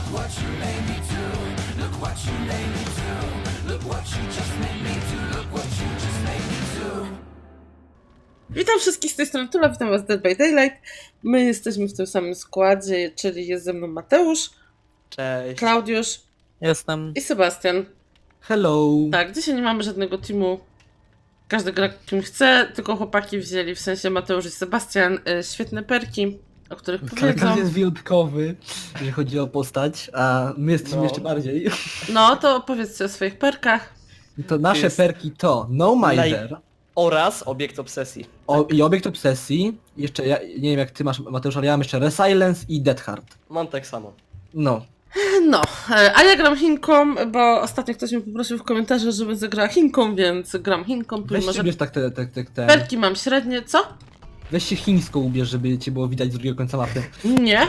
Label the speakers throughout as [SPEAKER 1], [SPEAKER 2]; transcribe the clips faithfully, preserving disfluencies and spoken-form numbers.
[SPEAKER 1] Witam wszystkich z tej strony Tula, witam was w Dead by Daylight. My jesteśmy w tym samym składzie, czyli jest ze mną Mateusz,
[SPEAKER 2] Cześć.
[SPEAKER 1] Klaudiusz
[SPEAKER 3] Jestem.
[SPEAKER 1] i Sebastian.
[SPEAKER 2] Hello.
[SPEAKER 1] Tak, dzisiaj nie mamy żadnego teamu. Każdy gra kim chce, tylko chłopaki wzięli, w sensie Mateusz i Sebastian, y, świetne perki, o których powiedzą.
[SPEAKER 2] Każdy jest wyjątkowy, jeżeli chodzi o postać, a my jesteśmy
[SPEAKER 4] No.
[SPEAKER 2] jeszcze bardziej.
[SPEAKER 1] No to opowiedzcie o swoich perkach.
[SPEAKER 2] To nasze
[SPEAKER 4] Jest-
[SPEAKER 2] perki to No Miser
[SPEAKER 4] Oraz obiekt obsesji.
[SPEAKER 2] o, i Obiekt Obsesji. Jeszcze ja nie wiem jak ty masz, Mateusz, ale ja mam jeszcze Resilience i Dead Heart.
[SPEAKER 4] Mam tak samo.
[SPEAKER 2] No.
[SPEAKER 1] No, y, a ja gram Chinką, bo ostatnio ktoś mnie poprosił w komentarzach, żebym zagrała Chinką, więc gram Chinką.
[SPEAKER 2] Weź
[SPEAKER 1] Może
[SPEAKER 2] się ubierz tak te, te, te, te.
[SPEAKER 1] perki mam średnie, co?
[SPEAKER 2] Weź się chińską ubierz, żeby cię było widać z drugiego końca mapy.
[SPEAKER 1] Nie.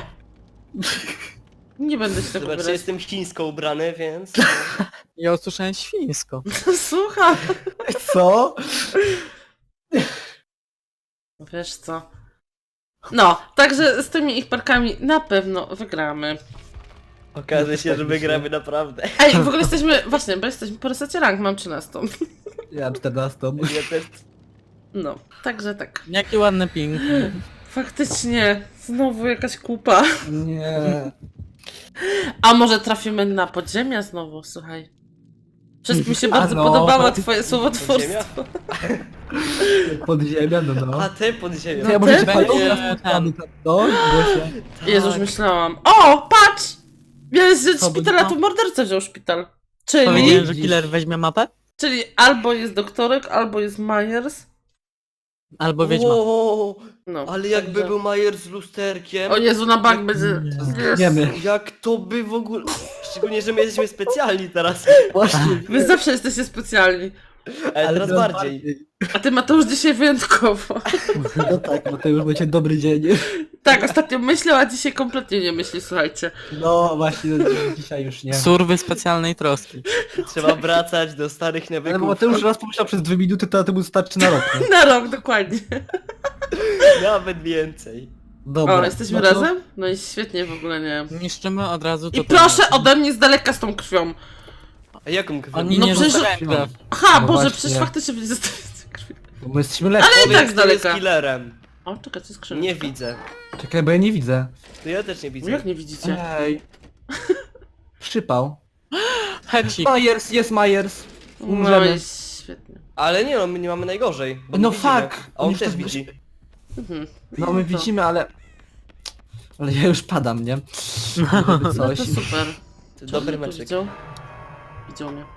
[SPEAKER 1] Nie będę się tak
[SPEAKER 4] Zobacz,
[SPEAKER 1] ubierać.
[SPEAKER 4] jestem chińsko ubrany, więc...
[SPEAKER 3] Ja usłyszałem świńsko.
[SPEAKER 1] Słucham.
[SPEAKER 2] Co?
[SPEAKER 1] Wiesz co? No, także z tymi ich parkami na pewno wygramy.
[SPEAKER 4] Okaże się, że wygramy naprawdę.
[SPEAKER 1] Ej, w ogóle jesteśmy, właśnie, bo jesteśmy po resecie rank, mam trzynastą.
[SPEAKER 2] Ja czternastą.
[SPEAKER 4] Ja też...
[SPEAKER 1] No, także tak.
[SPEAKER 3] Jaki ładny ping.
[SPEAKER 1] Faktycznie, znowu jakaś kupa.
[SPEAKER 2] Nie.
[SPEAKER 1] A może trafimy na podziemia znowu, słuchaj. Wszystkim się bardzo
[SPEAKER 2] no.
[SPEAKER 1] podobało twoje słowotwórstwo.
[SPEAKER 2] Podziemia, no no.
[SPEAKER 4] A ty podziemia.
[SPEAKER 2] To ja
[SPEAKER 1] No
[SPEAKER 2] może
[SPEAKER 1] ty?
[SPEAKER 2] cię palą
[SPEAKER 3] Będzie
[SPEAKER 2] na spotkamy tam, no? Gosia.
[SPEAKER 1] Jezu, już myślałam. O, patrz! Miałeś wziąć
[SPEAKER 2] Co, bo-
[SPEAKER 1] szpital, a tu morderca wziął szpital. Czyli,
[SPEAKER 3] Powiedziałem, że killer weźmie mapę?
[SPEAKER 1] czyli albo jest doktorek, albo jest Myers.
[SPEAKER 3] Albo wiedźma.
[SPEAKER 4] Wow,
[SPEAKER 1] No,
[SPEAKER 4] ale jakby
[SPEAKER 1] także-
[SPEAKER 4] był Majer z lusterkiem...
[SPEAKER 1] O Jezu, na bank będzie...
[SPEAKER 2] Wiemy.
[SPEAKER 4] Jak to by w ogóle... Szczególnie, że my jesteśmy specjalni teraz.
[SPEAKER 2] Właśnie.
[SPEAKER 1] Wy zawsze jesteście specjalni.
[SPEAKER 4] Ale teraz
[SPEAKER 2] teraz
[SPEAKER 4] bardziej.
[SPEAKER 1] A ty Mateusz dzisiaj wyjątkowo.
[SPEAKER 2] No tak, Mateusz, będzie dobry dzień.
[SPEAKER 1] Tak, ostatnio myślał, a dzisiaj kompletnie nie myśli, słuchajcie.
[SPEAKER 2] No właśnie, dzisiaj już nie.
[SPEAKER 3] Surwy specjalnej troski.
[SPEAKER 4] Trzeba wracać do starych
[SPEAKER 2] Ale
[SPEAKER 4] nawyków.
[SPEAKER 2] Mateusz raz pomyślał przez dwie minuty, to temu starczy na rok. Nie?
[SPEAKER 1] Na rok, dokładnie.
[SPEAKER 4] Nawet więcej.
[SPEAKER 2] Dobra.
[SPEAKER 1] O, jesteśmy
[SPEAKER 2] no to-
[SPEAKER 1] razem? No i świetnie, w ogóle nie.
[SPEAKER 3] Niszczymy od razu to.
[SPEAKER 1] I proszę ode mnie z daleka z tą krwią.
[SPEAKER 4] A jaką krwią?
[SPEAKER 3] Oni
[SPEAKER 1] No
[SPEAKER 3] nie
[SPEAKER 1] przecież-
[SPEAKER 3] zostawiają krew.
[SPEAKER 1] Aha,
[SPEAKER 2] No
[SPEAKER 1] Boże,
[SPEAKER 2] właśnie.
[SPEAKER 1] przecież faktycznie będzie zostawiać z krwią.
[SPEAKER 2] Bo my jesteśmy lepsi.
[SPEAKER 1] Ale i tak z
[SPEAKER 4] Powiedz, kto jest
[SPEAKER 1] daleka.
[SPEAKER 4] killerem.
[SPEAKER 1] O, czekaj, to jest skrzynka.
[SPEAKER 4] Nie widzę.
[SPEAKER 2] Czekaj, bo ja nie widzę.
[SPEAKER 4] To ja też nie widzę.
[SPEAKER 1] Jak nie widzicie?
[SPEAKER 2] Ej. Przypał.
[SPEAKER 3] Hecik.
[SPEAKER 2] Myers, jest Myers.
[SPEAKER 1] No
[SPEAKER 2] Umrzemy.
[SPEAKER 1] i świetnie.
[SPEAKER 4] Ale nie no, my nie mamy najgorzej. Bo
[SPEAKER 2] No
[SPEAKER 4] my widzimy.
[SPEAKER 2] fuck.
[SPEAKER 4] A on
[SPEAKER 2] Oni
[SPEAKER 4] też
[SPEAKER 2] to-
[SPEAKER 4] widzi.
[SPEAKER 1] Mhm.
[SPEAKER 2] No my
[SPEAKER 1] to-
[SPEAKER 2] widzimy, ale... Ale ja już padam, nie? Żeby
[SPEAKER 1] No
[SPEAKER 2] coś.
[SPEAKER 1] to super.
[SPEAKER 4] To
[SPEAKER 1] Czy
[SPEAKER 4] dobry
[SPEAKER 1] on tu
[SPEAKER 4] meczek.
[SPEAKER 1] Widział? Widział mnie.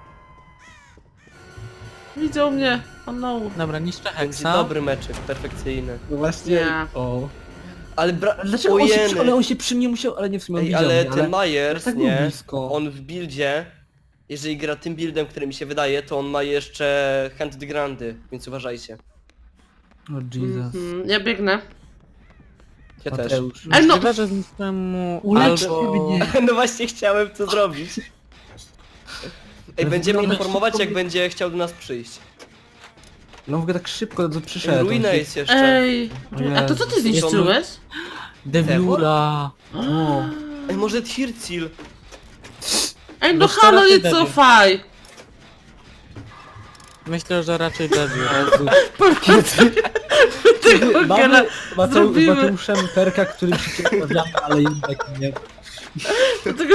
[SPEAKER 1] Widział mnie. Oh no.
[SPEAKER 3] Dobra, niszczę
[SPEAKER 4] Będzie
[SPEAKER 3] heksa.
[SPEAKER 4] dobry meczek, perfekcyjny.
[SPEAKER 2] No właśnie.
[SPEAKER 1] Nie.
[SPEAKER 2] O.
[SPEAKER 4] Ale bra...
[SPEAKER 2] Ale dlaczego on się, przy... ale
[SPEAKER 4] Ojeny.
[SPEAKER 2] on się przy mnie musiał... Ale nie w sumie on
[SPEAKER 4] Ej,
[SPEAKER 2] widział
[SPEAKER 4] ale
[SPEAKER 2] mnie,
[SPEAKER 4] ten Myers,
[SPEAKER 2] tak był
[SPEAKER 4] nie?
[SPEAKER 2] blisko.
[SPEAKER 4] On w buildzie, jeżeli gra tym buildem, który mi się wydaje, to on ma jeszcze hand the grandy, więc uważajcie.
[SPEAKER 2] O Jesus.
[SPEAKER 1] Mhm. Ja biegnę.
[SPEAKER 4] Ja też.
[SPEAKER 2] Mateusz.
[SPEAKER 1] Ej, no.
[SPEAKER 3] Możliwe, że zniszczyłem mu
[SPEAKER 2] Ulecz
[SPEAKER 3] albo...
[SPEAKER 2] mnie.
[SPEAKER 4] No właśnie chciałem to zrobić. Ej, będziemy
[SPEAKER 2] Ale
[SPEAKER 4] informować,
[SPEAKER 2] szybko
[SPEAKER 4] jak
[SPEAKER 2] mi-
[SPEAKER 4] będzie chciał do nas przyjść.
[SPEAKER 2] No w ogóle tak szybko to przyszedł.
[SPEAKER 4] Ruina
[SPEAKER 2] on się-
[SPEAKER 4] jest jeszcze.
[SPEAKER 1] Ej.
[SPEAKER 2] O
[SPEAKER 1] A to co ty
[SPEAKER 2] Jezu.
[SPEAKER 1] zniszczyłeś?
[SPEAKER 3] Deviura.
[SPEAKER 2] O.
[SPEAKER 4] Ej, może Tircil?
[SPEAKER 1] Ej, no
[SPEAKER 3] Wiesz, to
[SPEAKER 1] halo,
[SPEAKER 3] raczej
[SPEAKER 1] nie
[SPEAKER 3] debil.
[SPEAKER 1] cofaj.
[SPEAKER 3] Myślę, że raczej Deviur.
[SPEAKER 2] Jezu.
[SPEAKER 1] Tego gena
[SPEAKER 2] Mamy Mateu...
[SPEAKER 1] zrobimy.
[SPEAKER 2] Mateuszem perka, który się rozmawiamy, ale jednak nie.
[SPEAKER 1] Tego...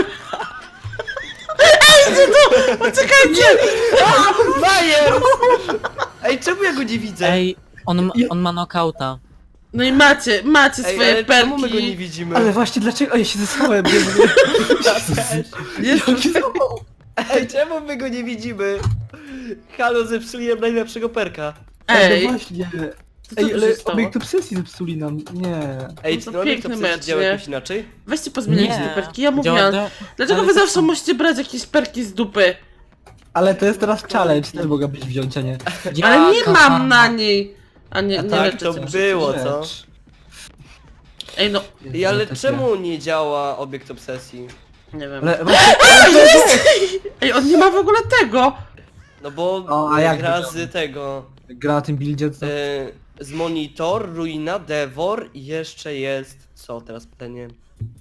[SPEAKER 1] Ej, idzie tu! Poczekajcie!
[SPEAKER 4] Myers! Ej, czemu ja go nie widzę?
[SPEAKER 3] Ej, on, ma- on ma knockouta.
[SPEAKER 1] No i macie, macie
[SPEAKER 4] Ej,
[SPEAKER 1] swoje
[SPEAKER 4] ale czemu my go nie
[SPEAKER 1] perki.
[SPEAKER 4] widzimy?
[SPEAKER 2] Ale właśnie dlaczego? O, ja się zesłałem, nie
[SPEAKER 1] Jezu.
[SPEAKER 4] Ej, czemu my go nie widzimy? Halo, zepsułem najlepszego perka.
[SPEAKER 1] Ej,
[SPEAKER 2] No właśnie.
[SPEAKER 1] to co
[SPEAKER 2] Ej,
[SPEAKER 1] tu
[SPEAKER 2] ale
[SPEAKER 1] się stało?
[SPEAKER 2] obiekt obsesji zepsuli nam. Nie.
[SPEAKER 4] Ej,
[SPEAKER 1] No
[SPEAKER 4] czy
[SPEAKER 1] to
[SPEAKER 4] ten obiekt
[SPEAKER 1] piękny
[SPEAKER 4] obsesji
[SPEAKER 1] mecz,
[SPEAKER 4] działa
[SPEAKER 1] nie?
[SPEAKER 4] jakoś inaczej?
[SPEAKER 1] Weźcie pozmieniajcie te perki, ja mówiłam.
[SPEAKER 3] Działa-
[SPEAKER 1] Dlaczego
[SPEAKER 3] ale
[SPEAKER 1] wy
[SPEAKER 3] to
[SPEAKER 1] zawsze
[SPEAKER 3] samo.
[SPEAKER 1] musicie brać jakieś perki z dupy?
[SPEAKER 2] Ale to jest teraz challenge, też mogę być wziąć, a nie.
[SPEAKER 1] Ale nie
[SPEAKER 3] Jaka
[SPEAKER 1] mam
[SPEAKER 3] fama.
[SPEAKER 1] na niej! A nie,
[SPEAKER 4] A
[SPEAKER 1] nie
[SPEAKER 4] tak
[SPEAKER 1] leczę
[SPEAKER 4] to
[SPEAKER 1] cię.
[SPEAKER 4] było, co?
[SPEAKER 2] Rzecz.
[SPEAKER 1] Ej, no,
[SPEAKER 4] Ej, ale
[SPEAKER 2] Takie-
[SPEAKER 4] czemu nie działa obiekt obsesji?
[SPEAKER 1] nie wiem.
[SPEAKER 2] Ale właśnie,
[SPEAKER 1] Ej, on nie ma w ogóle tego!
[SPEAKER 4] No bo
[SPEAKER 2] O, a jak
[SPEAKER 4] gra
[SPEAKER 2] to
[SPEAKER 4] z tego...
[SPEAKER 2] gra na tym buildzie, to...
[SPEAKER 4] E, z Monitor, Ruina, Devor i jeszcze jest... Co teraz pytanie?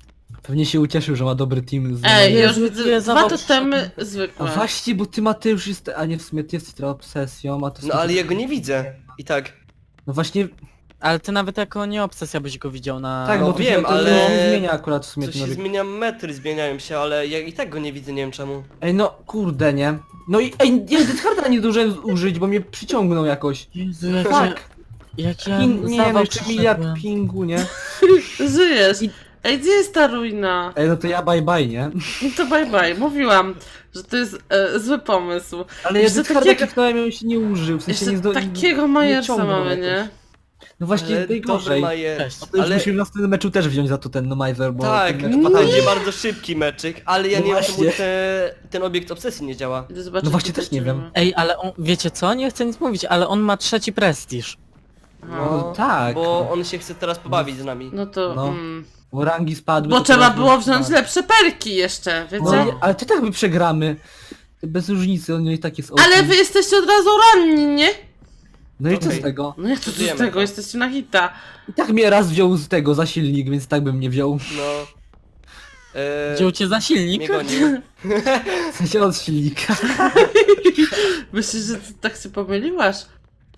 [SPEAKER 2] Pewnie się ucieszył, że ma dobry team z...
[SPEAKER 1] Ej, ja
[SPEAKER 3] Jezu,
[SPEAKER 1] już
[SPEAKER 3] ile
[SPEAKER 1] widzę dwa
[SPEAKER 3] zawał
[SPEAKER 1] totemy
[SPEAKER 2] A
[SPEAKER 1] zwykłe.
[SPEAKER 2] właśnie, bo ty Mateusz jest... A nie, w sumie ty jesteś trochę obsesją, a to...
[SPEAKER 4] No ale ja go nie widzę. I tak.
[SPEAKER 2] No właśnie,
[SPEAKER 3] Ale ty nawet jako nie obsesja byś go widział na...
[SPEAKER 2] tak,
[SPEAKER 4] No
[SPEAKER 2] bo to
[SPEAKER 4] wiem,
[SPEAKER 2] się, to
[SPEAKER 4] ale-
[SPEAKER 2] nie zmienia akurat w sumie
[SPEAKER 4] Co
[SPEAKER 2] ten
[SPEAKER 4] się
[SPEAKER 2] obiekt.
[SPEAKER 4] zmienia, metry zmieniają się, ale ja i tak go nie widzę, nie wiem czemu.
[SPEAKER 2] Ej, no kurde, nie? No i ej, ja Deathharda nie zdążyłem użyć, bo mnie przyciągnął jakoś.
[SPEAKER 3] Jezu, jak
[SPEAKER 2] Tak.
[SPEAKER 3] ja... Jak ja
[SPEAKER 2] Ping, nie wiem,
[SPEAKER 3] zawał
[SPEAKER 2] jeszcze miliard
[SPEAKER 3] przyszedłem.
[SPEAKER 2] pingu, nie?
[SPEAKER 1] Żyjesz. Ej, gdzie jest ta ruina?
[SPEAKER 2] Ej, no to ja bye bye, nie?
[SPEAKER 1] No to bye bye. Mówiłam, że to jest e, zły pomysł.
[SPEAKER 2] Ale ja
[SPEAKER 1] Jeszcze
[SPEAKER 2] Deathharda
[SPEAKER 1] takiego-
[SPEAKER 2] kliknąłem i on się nie użył, w sensie nie
[SPEAKER 1] Jeszcze
[SPEAKER 2] zdo...
[SPEAKER 1] takiego
[SPEAKER 2] nie
[SPEAKER 1] Majersa
[SPEAKER 2] ciągnął
[SPEAKER 1] mamy,
[SPEAKER 2] jakoś.
[SPEAKER 1] nie?
[SPEAKER 2] No właśnie,
[SPEAKER 4] Ale dobry
[SPEAKER 2] najgorzej.
[SPEAKER 4] Majer.
[SPEAKER 3] Cześć.
[SPEAKER 2] To już
[SPEAKER 4] Ale
[SPEAKER 2] musimy w następnym meczu też wziąć za to ten Nomizer, bo...
[SPEAKER 4] tak,
[SPEAKER 2] ten mecz
[SPEAKER 1] No
[SPEAKER 4] to
[SPEAKER 2] fatalny.
[SPEAKER 4] będzie bardzo szybki meczyk, ale ja
[SPEAKER 2] No
[SPEAKER 4] nie wiem czemu
[SPEAKER 2] właśnie.
[SPEAKER 4] te, ten obiekt obsesji nie działa.
[SPEAKER 1] Idę zobaczyć,
[SPEAKER 2] No właśnie,
[SPEAKER 1] tutaj,
[SPEAKER 2] też nie
[SPEAKER 1] czy
[SPEAKER 2] wiem.
[SPEAKER 1] mamy.
[SPEAKER 3] Ej, ale on... Wiecie co? Nie chcę nic mówić, ale on ma trzeci prestiż.
[SPEAKER 1] Aha.
[SPEAKER 2] No tak.
[SPEAKER 4] Bo on się chce teraz pobawić z nami.
[SPEAKER 1] No to...
[SPEAKER 2] No.
[SPEAKER 1] Mm.
[SPEAKER 2] Bo rangi spadły...
[SPEAKER 1] Bo
[SPEAKER 2] to
[SPEAKER 1] trzeba
[SPEAKER 2] teraz
[SPEAKER 1] było
[SPEAKER 2] już
[SPEAKER 1] wziąć
[SPEAKER 2] spadł.
[SPEAKER 1] lepsze perki jeszcze, wiecie?
[SPEAKER 2] No, nie, ale ty tak my przegramy. Bez różnicy, on i tak jest
[SPEAKER 1] Ale
[SPEAKER 2] osiem.
[SPEAKER 1] wy jesteście od razu ranni, nie?
[SPEAKER 2] No i co
[SPEAKER 4] Okej.
[SPEAKER 2] z tego?
[SPEAKER 1] No jak to co z
[SPEAKER 4] Wiemy
[SPEAKER 1] tego?
[SPEAKER 4] to.
[SPEAKER 1] Jesteście na hita.
[SPEAKER 2] I tak mnie raz wziął z tego za silnik, więc tak bym nie wziął.
[SPEAKER 4] No. Eee,
[SPEAKER 3] Wziął cię za
[SPEAKER 4] mnie
[SPEAKER 3] silnik?
[SPEAKER 4] goni.
[SPEAKER 2] W sensie od silnika.
[SPEAKER 1] Myślisz, że ty tak się pomyliłaś?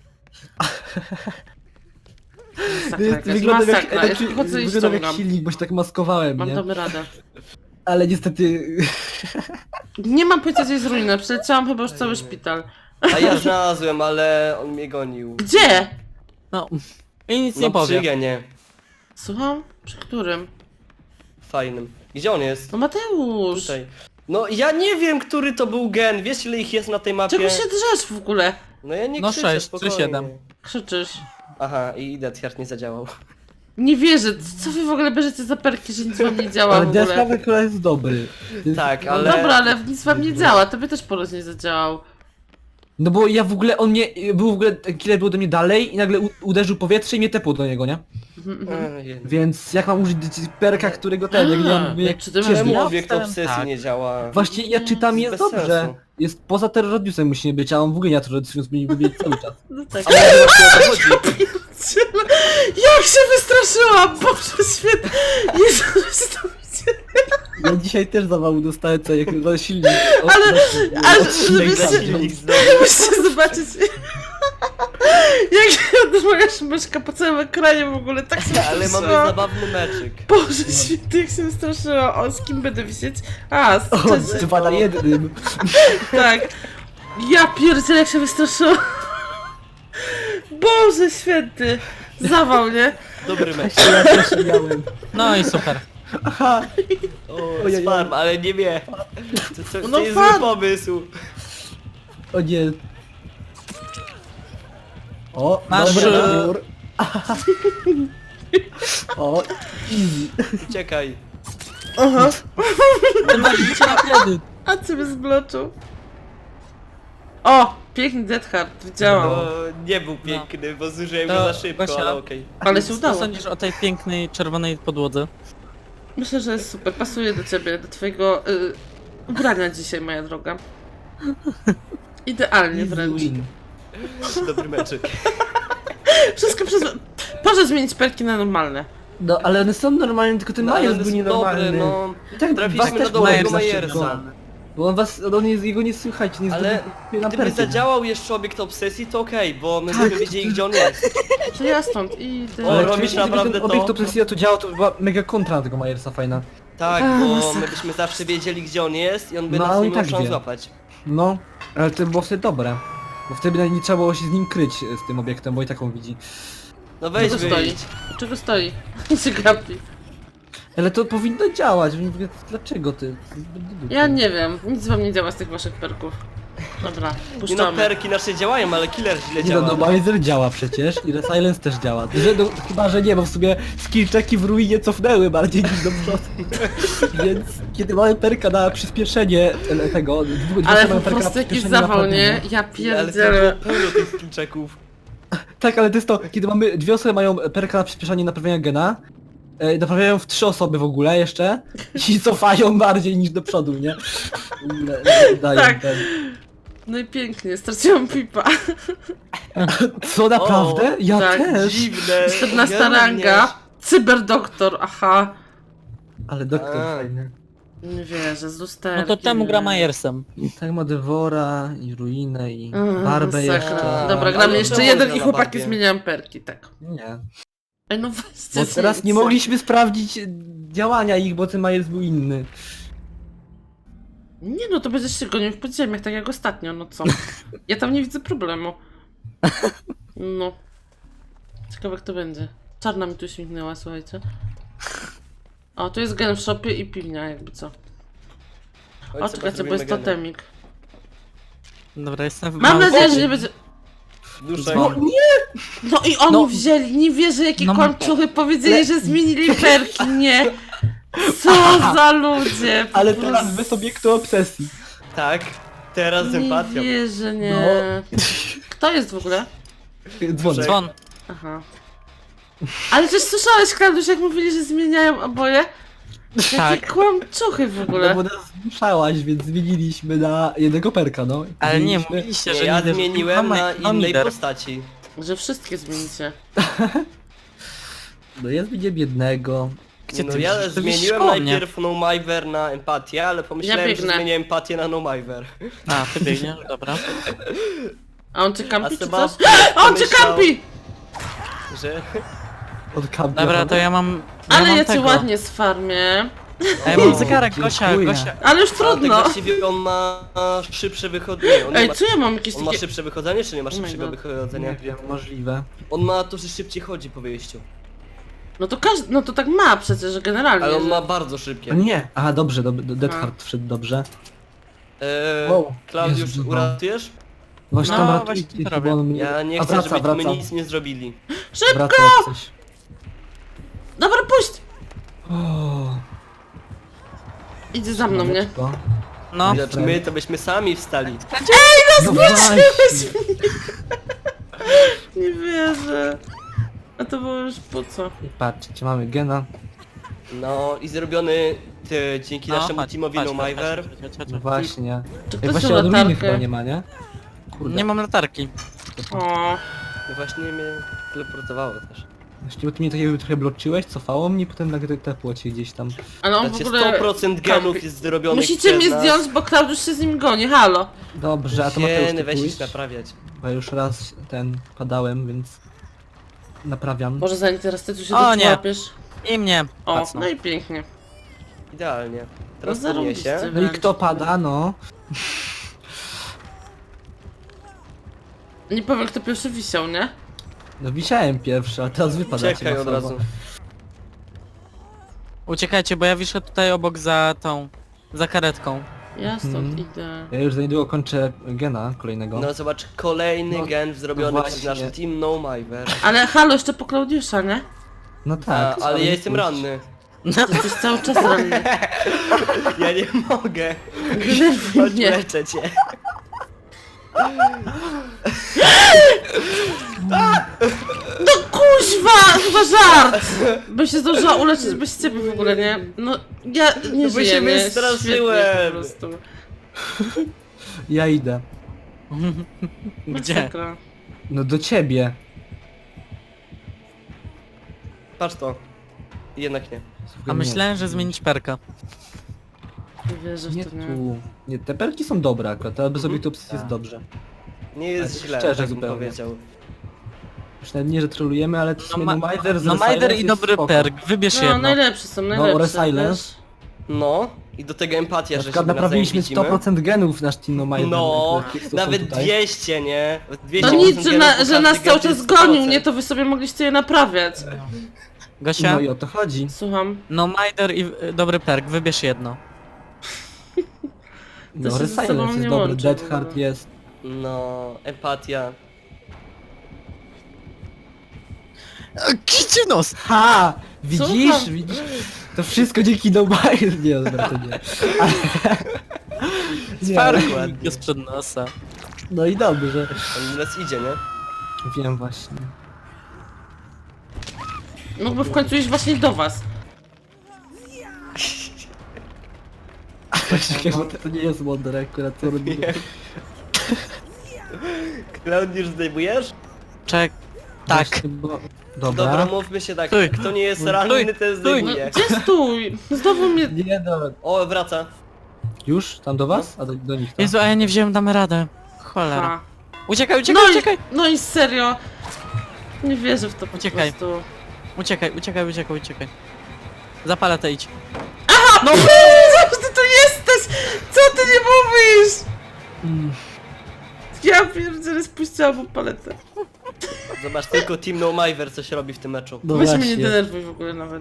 [SPEAKER 1] Masakra
[SPEAKER 2] Jest,
[SPEAKER 1] jakaś,
[SPEAKER 2] wyglądam jak,
[SPEAKER 1] masakra. Ja
[SPEAKER 2] znaczy,
[SPEAKER 1] chodzę i
[SPEAKER 2] wyglądam jak
[SPEAKER 1] ściągam.
[SPEAKER 2] silnik, bo się tak maskowałem,
[SPEAKER 1] Mam
[SPEAKER 2] nie?
[SPEAKER 1] damy radę.
[SPEAKER 2] Ale niestety...
[SPEAKER 1] Nie mam pojęcia, gdzie jest ruina. Przeleciałam chyba już cały szpital.
[SPEAKER 4] A ja znalazłem, ale on mnie gonił.
[SPEAKER 1] Gdzie?
[SPEAKER 3] No. I nic
[SPEAKER 4] No
[SPEAKER 3] nie
[SPEAKER 4] przy
[SPEAKER 3] powiem.
[SPEAKER 4] genie.
[SPEAKER 1] Słucham? Przy którym?
[SPEAKER 4] Fajnym. Gdzie on jest?
[SPEAKER 1] No Mateusz!
[SPEAKER 4] Tutaj. No ja nie wiem, który to był gen. Wiesz ile ich jest na tej mapie?
[SPEAKER 1] Czego się drzesz w ogóle?
[SPEAKER 4] No ja nie
[SPEAKER 3] No
[SPEAKER 4] krzyczę,
[SPEAKER 3] sześć,
[SPEAKER 4] spokojnie.
[SPEAKER 3] trzy, siedem.
[SPEAKER 1] Krzyczysz.
[SPEAKER 4] Aha, i Deathheart nie zadziałał.
[SPEAKER 1] Nie wierzę. Co wy w ogóle bierzecie za perki, że nic wam nie działa
[SPEAKER 2] Ale
[SPEAKER 1] w ogóle?
[SPEAKER 2] Deathcraft akurat jest dobry.
[SPEAKER 4] Tak,
[SPEAKER 1] No
[SPEAKER 4] ale...
[SPEAKER 1] dobra, ale nic wam nie działa. Tobie też poroz nie zadziałał.
[SPEAKER 2] No bo ja w ogóle, on mnie, był w ogóle, ten killer był do mnie dalej i nagle u, uderzył powietrze i mnie tepło do niego, nie?
[SPEAKER 1] Mhm, mhm.
[SPEAKER 4] Ej,
[SPEAKER 2] Więc jak mam użyć perka, którego ten, jak nie
[SPEAKER 1] A,
[SPEAKER 2] mam...
[SPEAKER 1] jak
[SPEAKER 2] Jak
[SPEAKER 1] czy ty masz
[SPEAKER 2] ciężki.
[SPEAKER 4] Czemu
[SPEAKER 3] Ja
[SPEAKER 4] obiekt
[SPEAKER 3] wstałem,
[SPEAKER 4] obsesji
[SPEAKER 3] tak.
[SPEAKER 4] nie działa?
[SPEAKER 2] Właśnie ja czytam i jest
[SPEAKER 4] Bez
[SPEAKER 2] dobrze.
[SPEAKER 4] sensu.
[SPEAKER 2] Jest poza terroradiusem musi nie być, a on w ogóle nie terroradiusem, powinien być cały czas.
[SPEAKER 1] No tak.
[SPEAKER 4] Ale właśnie o to chodzi.
[SPEAKER 1] Jak się wystraszyłam! Boże świetnie! Jezu, że to widzicie.
[SPEAKER 2] Ja dzisiaj też zawału dostałem co jak za silnik. O,
[SPEAKER 1] Ale-
[SPEAKER 2] za-
[SPEAKER 1] ale
[SPEAKER 2] odcinek
[SPEAKER 1] żebyście-
[SPEAKER 2] za
[SPEAKER 4] Silnik znowu.
[SPEAKER 1] Musicie zobaczyć. Jak moja szmyszka po całym ekranie w ogóle tak się
[SPEAKER 4] Ale mamy
[SPEAKER 1] wystraszyłam.
[SPEAKER 4] zabawny meczyk.
[SPEAKER 1] Boże święty, jak się wystraszyła. O, z kim będę wisieć? A, z
[SPEAKER 2] O,
[SPEAKER 1] Czesiem.
[SPEAKER 2] dwa na jednym.
[SPEAKER 1] Tak. Ja pierdzielę, jak się wystraszyłam. Boże święty. Zawał, nie?
[SPEAKER 4] Dobry mecz.
[SPEAKER 2] Ja też miałem.
[SPEAKER 3] No i super.
[SPEAKER 2] Aha.
[SPEAKER 4] O,
[SPEAKER 2] Ojej.
[SPEAKER 4] farm, ale nie wie. To, to, to
[SPEAKER 1] No
[SPEAKER 4] jest
[SPEAKER 1] farm.
[SPEAKER 4] zły pomysł.
[SPEAKER 2] O nie. O,
[SPEAKER 3] Masz,
[SPEAKER 2] dobry
[SPEAKER 3] e,
[SPEAKER 2] nabór. O, easy.
[SPEAKER 4] Uciekaj.
[SPEAKER 1] Aha.
[SPEAKER 3] Ty masz życie na kredyt.
[SPEAKER 1] A co mnie zbloczył? O! Piękny Deathheart, widziałam.
[SPEAKER 4] No, nie był piękny, bo zużyłem
[SPEAKER 3] To
[SPEAKER 4] go za szybko,
[SPEAKER 3] Gosia.
[SPEAKER 4] ale okej.
[SPEAKER 1] Ale się
[SPEAKER 3] Co
[SPEAKER 1] udało.
[SPEAKER 3] sądzisz o tej pięknej czerwonej podłodze?
[SPEAKER 1] Myślę, że jest super. Pasuje do ciebie, do twojego y, ubrania dzisiaj, moja droga. Idealnie
[SPEAKER 2] Easy
[SPEAKER 1] wręcz.
[SPEAKER 2] win.
[SPEAKER 4] Dobry meczyk.
[SPEAKER 1] Wszystko przez... Proszę zmienić perki na normalne.
[SPEAKER 2] No, ale one są normalne, tylko ten
[SPEAKER 4] No, ale
[SPEAKER 2] Majers
[SPEAKER 4] on
[SPEAKER 2] był
[SPEAKER 4] jest dobry,
[SPEAKER 2] nienormalny.
[SPEAKER 4] no.
[SPEAKER 2] I tak was
[SPEAKER 4] Trafiliśmy na
[SPEAKER 2] też
[SPEAKER 4] dobrego
[SPEAKER 2] Majers
[SPEAKER 4] Majersa.
[SPEAKER 2] zawsze Bo on was, on jest, jego nie słychać, nie
[SPEAKER 4] Ale
[SPEAKER 2] zdobył na
[SPEAKER 4] gdyby
[SPEAKER 2] perki.
[SPEAKER 4] zadziałał jeszcze obiekt obsesji, to okej, bo my
[SPEAKER 2] Tak.
[SPEAKER 4] byśmy wiedzieli gdzie on jest.
[SPEAKER 1] To ja stąd idę.
[SPEAKER 4] O,
[SPEAKER 2] Ale
[SPEAKER 4] robisz
[SPEAKER 2] oczywiście, gdyby
[SPEAKER 4] naprawdę
[SPEAKER 2] ten
[SPEAKER 4] to?
[SPEAKER 2] obiekt obsesja to działał, to była mega kontra na tego Majersa fajna.
[SPEAKER 4] Tak,
[SPEAKER 1] A,
[SPEAKER 4] bo
[SPEAKER 1] masakra.
[SPEAKER 4] my byśmy zawsze wiedzieli gdzie on jest i on by
[SPEAKER 2] No,
[SPEAKER 4] nas
[SPEAKER 2] on
[SPEAKER 4] nie
[SPEAKER 2] i
[SPEAKER 4] miał
[SPEAKER 2] tak
[SPEAKER 4] szans
[SPEAKER 2] wie.
[SPEAKER 4] złapać.
[SPEAKER 2] No, ale to było wtedy dobre. Bo wtedy nie trzeba było się z nim kryć, z tym obiektem, bo i tak on widzi.
[SPEAKER 4] No weź
[SPEAKER 1] Czego stoi?
[SPEAKER 4] wyjdź.
[SPEAKER 1] Czego stoi? się gapi.
[SPEAKER 2] Ale to powinno działać, więc mówię, dlaczego ty?
[SPEAKER 1] Ja nie wiem. Nic wam nie działa z tych waszych perków. Dobra,
[SPEAKER 4] Nie no,
[SPEAKER 1] puszczamy.
[SPEAKER 4] perki nasze działają, ale killer źle
[SPEAKER 2] Nie no,
[SPEAKER 4] działa.
[SPEAKER 2] no Miser działa przecież i Resilience też działa. Że, no, chyba, że nie, bo w sumie skillczeki w ruinie cofnęły bardziej niż do przodu. Więc kiedy mamy perka na przyspieszenie e, tego, dwóch
[SPEAKER 1] Ale
[SPEAKER 2] mamy
[SPEAKER 1] po
[SPEAKER 2] perka na
[SPEAKER 1] prostu jakiś
[SPEAKER 2] przyspieszenie
[SPEAKER 1] zawał,
[SPEAKER 2] naprawdę,
[SPEAKER 1] nie?
[SPEAKER 2] no.
[SPEAKER 1] Ja
[SPEAKER 4] Ale to
[SPEAKER 1] pierdzielę.
[SPEAKER 4] było pełno tych skillczeków.
[SPEAKER 2] Tak, ale to jest to, kiedy mamy, dwie osoby mają perka na przyspieszenie naprawiania gena, e, naprawiają w trzy osoby w ogóle jeszcze i cofają bardziej niż do przodu, nie? Le- le- dają
[SPEAKER 1] Tak.
[SPEAKER 2] ten.
[SPEAKER 1] No i pięknie, straciłam pipa.
[SPEAKER 2] Co, naprawdę? Ja
[SPEAKER 1] tak,
[SPEAKER 2] też!
[SPEAKER 4] Dziwne.
[SPEAKER 1] czternasta
[SPEAKER 4] Ja
[SPEAKER 1] ranga.
[SPEAKER 4] również.
[SPEAKER 1] Cyberdoktor, aha.
[SPEAKER 2] Ale doktor
[SPEAKER 4] A.
[SPEAKER 2] fajny.
[SPEAKER 1] Nie wierzę, z lusterkiem.
[SPEAKER 3] No to czemu gra
[SPEAKER 1] nie.
[SPEAKER 3] Majersem?
[SPEAKER 2] I tak ma Devora, i Ruinę, i
[SPEAKER 1] Mm,
[SPEAKER 2] Barbę
[SPEAKER 1] masakra.
[SPEAKER 2] jeszcze.
[SPEAKER 1] Dobra,
[SPEAKER 4] Ale
[SPEAKER 1] gramy
[SPEAKER 4] to
[SPEAKER 1] jeszcze
[SPEAKER 4] można
[SPEAKER 1] jeden
[SPEAKER 4] na
[SPEAKER 1] i chłopaki
[SPEAKER 4] Barbie.
[SPEAKER 1] zmieniają perki, tak.
[SPEAKER 2] Nie.
[SPEAKER 1] Ej, no weźcie
[SPEAKER 2] Bo teraz nie
[SPEAKER 1] zmieńcie.
[SPEAKER 2] mogliśmy sprawdzić działania ich, bo ten Majers był inny.
[SPEAKER 1] Nie no, to będziesz się gonił w podziemiach, tak jak ostatnio, no co? Ja tam nie widzę problemu. No. Ciekawe jak to będzie. Czarna mi tu śmignęła, słuchajcie. O, tu jest gen w shopie i piwnia, jakby co.
[SPEAKER 4] Chodź,
[SPEAKER 1] O,
[SPEAKER 4] sobie
[SPEAKER 1] czekajcie, bo
[SPEAKER 4] zrobimy
[SPEAKER 1] jest
[SPEAKER 4] geny.
[SPEAKER 1] totemik.
[SPEAKER 3] Dobra, jestem w
[SPEAKER 1] Mam
[SPEAKER 3] małym
[SPEAKER 1] nadzieję, że
[SPEAKER 3] pokoju.
[SPEAKER 1] nie będzie...
[SPEAKER 4] Duszek.
[SPEAKER 2] No nie!
[SPEAKER 1] No i oni
[SPEAKER 3] No.
[SPEAKER 1] wzięli, nie wierzę jakie
[SPEAKER 3] No.
[SPEAKER 1] kłamczuchy, powiedzieli, że zmienili perki, nie. Co za ludzie, po
[SPEAKER 2] Ale
[SPEAKER 1] prostu.
[SPEAKER 2] teraz bez obiektu obsesji.
[SPEAKER 4] Tak, teraz z empatią.
[SPEAKER 1] Nie wierzę, nie.
[SPEAKER 2] No.
[SPEAKER 1] Kto jest w ogóle?
[SPEAKER 2] Dzwonek.
[SPEAKER 3] Dzwon.
[SPEAKER 1] Aha. Ale też słyszałeś, Klaudiusz, jak mówili, że zmieniają oboje? Jakie
[SPEAKER 3] Tak.
[SPEAKER 1] kłamczuchy w
[SPEAKER 2] No
[SPEAKER 1] ogóle.
[SPEAKER 2] bo nas zmuszałaś, więc zmieniliśmy na jednego perka, no.
[SPEAKER 3] Ale nie,
[SPEAKER 2] Zmieniliśmy-
[SPEAKER 3] mówiliście,
[SPEAKER 4] Nie,
[SPEAKER 3] że
[SPEAKER 4] ja
[SPEAKER 3] nie
[SPEAKER 4] zmieniłem
[SPEAKER 3] Mam-
[SPEAKER 4] na
[SPEAKER 3] mam
[SPEAKER 4] innej
[SPEAKER 3] lider.
[SPEAKER 4] postaci.
[SPEAKER 1] Że wszystkie zmienicie.
[SPEAKER 2] No ja zmieniłem jednego.
[SPEAKER 3] Gdzie
[SPEAKER 4] No
[SPEAKER 3] ty
[SPEAKER 4] ja
[SPEAKER 3] widzisz? To widzisz
[SPEAKER 4] zmieniłem
[SPEAKER 3] koło mnie.
[SPEAKER 4] najpierw No Miver na empatię, ale pomyślałem,
[SPEAKER 1] Ja
[SPEAKER 4] że
[SPEAKER 1] biegnę.
[SPEAKER 4] zmienię empatię na No Miver.
[SPEAKER 3] A, ty biegniesz, dobra.
[SPEAKER 1] A on cię
[SPEAKER 4] A
[SPEAKER 1] kampi czy
[SPEAKER 4] Seba
[SPEAKER 1] coś? A on cię
[SPEAKER 4] pomyślał,
[SPEAKER 1] kampi!
[SPEAKER 4] że...
[SPEAKER 2] Od kampia.
[SPEAKER 3] Dobra, to ja mam... Ja
[SPEAKER 1] Ale
[SPEAKER 3] mam
[SPEAKER 1] ja cię
[SPEAKER 3] tego.
[SPEAKER 1] ładnie sfarmię.
[SPEAKER 3] A ja mam
[SPEAKER 2] O,
[SPEAKER 3] zegarek, Gosia,
[SPEAKER 2] dziękuję.
[SPEAKER 3] Gosia.
[SPEAKER 1] Ale już
[SPEAKER 4] A tak
[SPEAKER 1] trudno.
[SPEAKER 4] właściwie on ma szybsze wychodzenie. On, nie
[SPEAKER 1] Ej,
[SPEAKER 4] ma...
[SPEAKER 1] co ja mam jakieś
[SPEAKER 4] on ma
[SPEAKER 1] takie...
[SPEAKER 4] szybsze wychodzenie, czy nie ma
[SPEAKER 1] Oh my
[SPEAKER 4] szybszego
[SPEAKER 1] God.
[SPEAKER 4] wychodzenia?
[SPEAKER 2] Nie wiem, możliwe.
[SPEAKER 4] On ma to, że szybciej chodzi po wyjściu.
[SPEAKER 1] No to każdy... No to tak ma przecież, że generalnie.
[SPEAKER 4] Ale on
[SPEAKER 1] że...
[SPEAKER 4] ma bardzo
[SPEAKER 2] A
[SPEAKER 4] szybkie.
[SPEAKER 2] nie, aha, dobrze, dob Dead Hard wszedł dobrze.
[SPEAKER 4] Eee,
[SPEAKER 2] Wow,
[SPEAKER 4] Klaudiusz,
[SPEAKER 2] Jezu, no.
[SPEAKER 4] uratujesz?
[SPEAKER 2] Właśnie
[SPEAKER 3] No,
[SPEAKER 2] tam
[SPEAKER 3] właśnie
[SPEAKER 2] ratujcie,
[SPEAKER 3] to
[SPEAKER 2] bo
[SPEAKER 3] robię.
[SPEAKER 2] on mnie...
[SPEAKER 4] Ja nie
[SPEAKER 2] A
[SPEAKER 4] chcę,
[SPEAKER 2] wraca,
[SPEAKER 4] żebyśmy
[SPEAKER 2] wraca.
[SPEAKER 4] nic nie zrobili.
[SPEAKER 1] Szybko!
[SPEAKER 2] Wraca jak coś.
[SPEAKER 1] Dobra, puść!
[SPEAKER 2] O,
[SPEAKER 1] Idzie za mną, nie?
[SPEAKER 2] słoneczko.
[SPEAKER 3] No,
[SPEAKER 4] Znaczy my to byśmy sami wstali.
[SPEAKER 2] No właśnie.
[SPEAKER 1] Nie wierzę. A to było już po co?
[SPEAKER 2] I patrzcie, mamy gena.
[SPEAKER 4] No i zrobiony ty, dzięki
[SPEAKER 3] no,
[SPEAKER 4] naszemu
[SPEAKER 3] chodź,
[SPEAKER 4] teamowi
[SPEAKER 3] chodź,
[SPEAKER 4] No
[SPEAKER 3] chodź,
[SPEAKER 4] Miver.
[SPEAKER 3] chodź, chodź, chodź.
[SPEAKER 2] No właśnie.
[SPEAKER 1] Czy
[SPEAKER 2] Ej,
[SPEAKER 1] ktoś
[SPEAKER 2] właśnie
[SPEAKER 1] tu
[SPEAKER 2] od ruiny chyba
[SPEAKER 1] latarkę?
[SPEAKER 2] nie ma, nie? Kurde.
[SPEAKER 3] Nie mam latarki.
[SPEAKER 1] O,
[SPEAKER 4] No właśnie mnie teleportowało też.
[SPEAKER 2] Właśnie, bo ty mnie takiego trochę bloczyłeś, cofało mnie, potem nagle tepło cię gdzieś tam.
[SPEAKER 1] ale on w
[SPEAKER 4] Znaczy
[SPEAKER 1] ogóle...
[SPEAKER 4] sto procent genów
[SPEAKER 1] kampi.
[SPEAKER 4] jest zrobionych
[SPEAKER 1] Musicie
[SPEAKER 4] przez
[SPEAKER 1] mnie
[SPEAKER 4] nas.
[SPEAKER 1] zdjąć, bo Klaudiusz się z nim goni, halo.
[SPEAKER 2] Dobrze, a to Mateusz,
[SPEAKER 4] Geny,
[SPEAKER 2] ty
[SPEAKER 4] weź ich
[SPEAKER 2] pójdź,
[SPEAKER 4] naprawiać.
[SPEAKER 2] bo ja już raz ten padałem, więc naprawiam.
[SPEAKER 1] Może zanim teraz ty tu się
[SPEAKER 3] O, nie.
[SPEAKER 1] doczłapiesz.
[SPEAKER 3] I mnie.
[SPEAKER 1] O,
[SPEAKER 3] Pacną.
[SPEAKER 1] no i pięknie.
[SPEAKER 4] Idealnie. Teraz
[SPEAKER 1] No
[SPEAKER 4] podniesie.
[SPEAKER 1] zarobiście.
[SPEAKER 2] No i kto pada, no?
[SPEAKER 1] Nie powiem kto pierwszy wisiał, nie?
[SPEAKER 2] No wisiałem pierwszy, a teraz wypadacie
[SPEAKER 4] Czekaj od
[SPEAKER 2] masowo.
[SPEAKER 4] razu.
[SPEAKER 3] Uciekajcie, bo ja wiszę tutaj obok za tą... za karetką.
[SPEAKER 1] Ja stąd
[SPEAKER 2] Mhm.
[SPEAKER 1] idę.
[SPEAKER 2] Ja już za niedługo kończę gena kolejnego.
[SPEAKER 4] No zobacz, kolejny
[SPEAKER 2] No,
[SPEAKER 4] gen zrobiony
[SPEAKER 2] no
[SPEAKER 4] przez
[SPEAKER 2] właśnie.
[SPEAKER 4] nasz team No Miver.
[SPEAKER 1] Ale halo, jeszcze po Klaudiusza, nie?
[SPEAKER 2] No
[SPEAKER 4] A,
[SPEAKER 2] tak.
[SPEAKER 4] ale ja
[SPEAKER 2] nie
[SPEAKER 4] jestem
[SPEAKER 2] pójdź.
[SPEAKER 4] ranny.
[SPEAKER 1] Ty jesteś cały czas ranny.
[SPEAKER 4] Ja nie mogę.
[SPEAKER 1] Denerwuj
[SPEAKER 4] Chodź,
[SPEAKER 1] mnie.
[SPEAKER 4] leczę cię.
[SPEAKER 1] No kuźwa! Chyba żart! Bym się zdążyła uleczyć bez ciebie w ogóle, nie? No, ja nie
[SPEAKER 4] No bo
[SPEAKER 1] żyję,
[SPEAKER 4] się
[SPEAKER 1] nie?
[SPEAKER 4] wystraszyłem.
[SPEAKER 1] Świetnie po prostu.
[SPEAKER 2] Ja idę.
[SPEAKER 3] Gdzie?
[SPEAKER 1] Masakra.
[SPEAKER 2] No do ciebie.
[SPEAKER 4] Patrz to. Jednak nie.
[SPEAKER 3] A myślałem, że zmienić perka.
[SPEAKER 1] Nie wierzę
[SPEAKER 2] Nie
[SPEAKER 1] w to, nie?
[SPEAKER 2] tu. Nie, te perki są dobre akurat, ale bez
[SPEAKER 4] Mhm.
[SPEAKER 2] obiektu obsesji jest
[SPEAKER 4] Tak.
[SPEAKER 2] dobrze.
[SPEAKER 4] Nie jest
[SPEAKER 2] Ale
[SPEAKER 4] źle,
[SPEAKER 2] szczerze
[SPEAKER 4] tak bym
[SPEAKER 2] zupełnie.
[SPEAKER 4] powiedział.
[SPEAKER 2] Już nawet nie, że trolujemy, ale to
[SPEAKER 3] No, ma...
[SPEAKER 2] no, Mider z
[SPEAKER 3] no Majder
[SPEAKER 2] Resilience
[SPEAKER 3] i
[SPEAKER 2] jest
[SPEAKER 3] dobry
[SPEAKER 2] spoko.
[SPEAKER 3] perk, wybierz
[SPEAKER 1] No,
[SPEAKER 3] jedno.
[SPEAKER 1] najlepsze są, najlepsze.
[SPEAKER 2] Resilience.
[SPEAKER 1] wiesz?
[SPEAKER 4] No. I do tego empatia,
[SPEAKER 2] Na
[SPEAKER 4] że się
[SPEAKER 2] przykład
[SPEAKER 4] nawzajem
[SPEAKER 2] naprawiliśmy
[SPEAKER 4] widzimy.
[SPEAKER 2] sto procent genów nasz Team No Mider.
[SPEAKER 4] No,
[SPEAKER 2] które są
[SPEAKER 4] nawet
[SPEAKER 2] tutaj.
[SPEAKER 4] dwieście, nie? dwieście
[SPEAKER 1] To nic,
[SPEAKER 4] procent
[SPEAKER 1] że,
[SPEAKER 4] genów,
[SPEAKER 1] na,
[SPEAKER 4] bo
[SPEAKER 1] że
[SPEAKER 4] każdy
[SPEAKER 1] nas
[SPEAKER 4] gen
[SPEAKER 1] cały
[SPEAKER 4] to
[SPEAKER 1] czas
[SPEAKER 4] jest
[SPEAKER 1] gonił,
[SPEAKER 4] sto procent.
[SPEAKER 1] nie? To wy sobie mogliście je naprawiać.
[SPEAKER 3] Gosia?
[SPEAKER 2] No i o to chodzi.
[SPEAKER 1] Słucham.
[SPEAKER 3] No Majder i y, dobry perk, wybierz jedno.
[SPEAKER 2] No
[SPEAKER 1] się ze sobą
[SPEAKER 2] Resilience jest
[SPEAKER 1] nie
[SPEAKER 2] dobry,
[SPEAKER 1] łączy
[SPEAKER 2] Dead
[SPEAKER 1] w
[SPEAKER 2] Hard
[SPEAKER 1] ogóle.
[SPEAKER 2] jest.
[SPEAKER 4] No, empatia.
[SPEAKER 3] Kicie nos!
[SPEAKER 2] Ha! Widzisz?
[SPEAKER 1] Słucham.
[SPEAKER 2] Widzisz? To wszystko dzięki No Mider. Nie, dobra, to nie. Ale... nie ale...
[SPEAKER 3] Perk ładnie sprzed nosa.
[SPEAKER 2] No i dobrze.
[SPEAKER 4] On nas idzie, nie?
[SPEAKER 2] Wiem właśnie.
[SPEAKER 1] Mógłby w końcu iść właśnie do was.
[SPEAKER 2] Czekaj, bo to nie jest Wonder akurat co robimy.
[SPEAKER 4] Klaudiusz zdejmujesz?
[SPEAKER 3] Czek... Tak.
[SPEAKER 2] Właśnie, bo... Dobra.
[SPEAKER 4] Dobra, mówmy się tak,
[SPEAKER 3] Stój.
[SPEAKER 4] kto nie jest
[SPEAKER 3] Stój.
[SPEAKER 4] ranny, ten
[SPEAKER 3] Stój.
[SPEAKER 1] No,
[SPEAKER 4] zdejmuje.
[SPEAKER 1] gdzie stój? Znowu mnie...
[SPEAKER 2] Nie, dobra.
[SPEAKER 4] O, wraca.
[SPEAKER 2] Już? Tam do was? A do, do nich tam?
[SPEAKER 3] Jezu, a ja nie wziąłem, damy radę. Cholera.
[SPEAKER 1] Ha.
[SPEAKER 3] Uciekaj, uciekaj,
[SPEAKER 1] No i,
[SPEAKER 3] uciekaj!
[SPEAKER 1] no i serio. Nie wierzę w to po
[SPEAKER 3] Uciekaj.
[SPEAKER 1] prostu.
[SPEAKER 3] Uciekaj, uciekaj, uciekaj, uciekaj. Zapalę to idź.
[SPEAKER 1] No co ty tu jesteś? Co ty nie mówisz?
[SPEAKER 2] Mm.
[SPEAKER 1] Ja pierdzielę, spuściłam mu paletę.
[SPEAKER 4] Zobacz, tylko Team No Miver coś robi w tym meczu.
[SPEAKER 2] No
[SPEAKER 1] Weź mnie
[SPEAKER 2] właśnie.
[SPEAKER 1] nie denerwuj w ogóle nawet.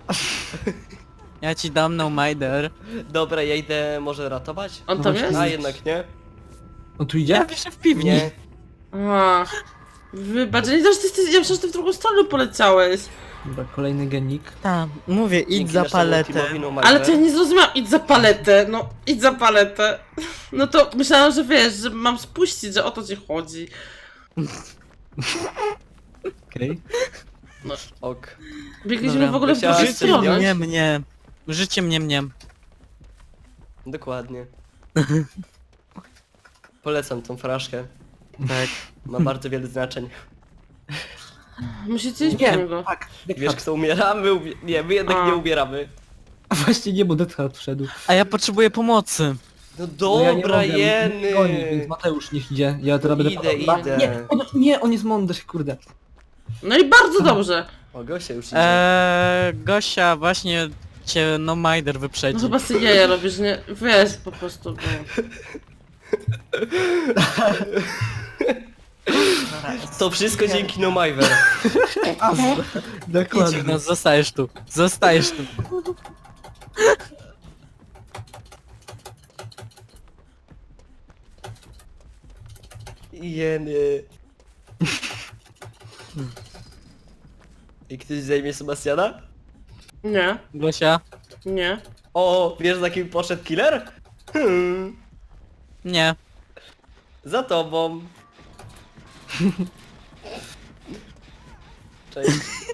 [SPEAKER 3] Ja ci dam no mider.
[SPEAKER 4] Dobra, ja idę może ratować?
[SPEAKER 1] On
[SPEAKER 2] No
[SPEAKER 1] tam
[SPEAKER 2] właśnie.
[SPEAKER 1] jest?
[SPEAKER 4] A jednak nie?
[SPEAKER 2] On tu
[SPEAKER 3] Ja
[SPEAKER 2] idzie?
[SPEAKER 3] wiszę w piwni.
[SPEAKER 4] Nie.
[SPEAKER 1] A, wybacz, ja nie wiem, że ty jesteś, ja myślę, że ty w drugą stronę poleciałeś.
[SPEAKER 2] Dobra, kolejny genik.
[SPEAKER 3] Tam, mówię, idź
[SPEAKER 4] Dzięki
[SPEAKER 3] za
[SPEAKER 4] naszemu
[SPEAKER 3] paletę.
[SPEAKER 4] teamowi No Miver.
[SPEAKER 1] Ale to ja nie zrozumiałam, idź za paletę, no idź za paletę. No to myślałam, że wiesz, że mam spuścić, że o to ci chodzi.
[SPEAKER 2] Okej.
[SPEAKER 4] Ok.
[SPEAKER 1] Biegliśmy
[SPEAKER 3] Dobra,
[SPEAKER 1] w ogóle w
[SPEAKER 4] chciałaś
[SPEAKER 1] drugą
[SPEAKER 4] Życie
[SPEAKER 1] stronę.
[SPEAKER 3] Mnie, mnie. Życie mnie, mnie.
[SPEAKER 4] Dokładnie. Polecam tą fraszkę.
[SPEAKER 3] Tak.
[SPEAKER 4] Ma bardzo wiele znaczeń.
[SPEAKER 1] Musicie iść po
[SPEAKER 2] Nie,
[SPEAKER 1] niego.
[SPEAKER 2] tak.
[SPEAKER 4] Wiesz kto umiera? My ubie... Nie, my jednak
[SPEAKER 1] A.
[SPEAKER 4] nie umieramy.
[SPEAKER 2] A właśnie nie, bo Deathheart wszedł.
[SPEAKER 3] A ja potrzebuję pomocy.
[SPEAKER 4] No
[SPEAKER 2] No ja nie
[SPEAKER 4] dobra,
[SPEAKER 2] mogę,
[SPEAKER 4] jeny.
[SPEAKER 2] nie goni, więc Mateusz niech idzie. Ja teraz będę
[SPEAKER 4] Idę,
[SPEAKER 2] padał.
[SPEAKER 4] idę.
[SPEAKER 2] Nie, on, nie, on jest mądry, kurde.
[SPEAKER 1] No i bardzo dobrze.
[SPEAKER 4] O, Gosia już idzie.
[SPEAKER 3] Eee, Gosia, właśnie cię no mider
[SPEAKER 1] No
[SPEAKER 3] wyprzedzi.
[SPEAKER 1] chyba sobie jaja robisz, nie? Wiesz po prostu, bo...
[SPEAKER 4] To wszystko dzięki No Miver.
[SPEAKER 3] Idź,
[SPEAKER 2] Dokładnie.
[SPEAKER 3] no zostajesz tu. Zostajesz tu.
[SPEAKER 4] Jeny. I ktoś zajmie Sebastiana?
[SPEAKER 1] Nie,
[SPEAKER 3] Gosia?
[SPEAKER 1] nie.
[SPEAKER 4] O, wiesz za kim poszedł killer? Hmm,
[SPEAKER 3] Nie.
[SPEAKER 4] za tobą. Cześć.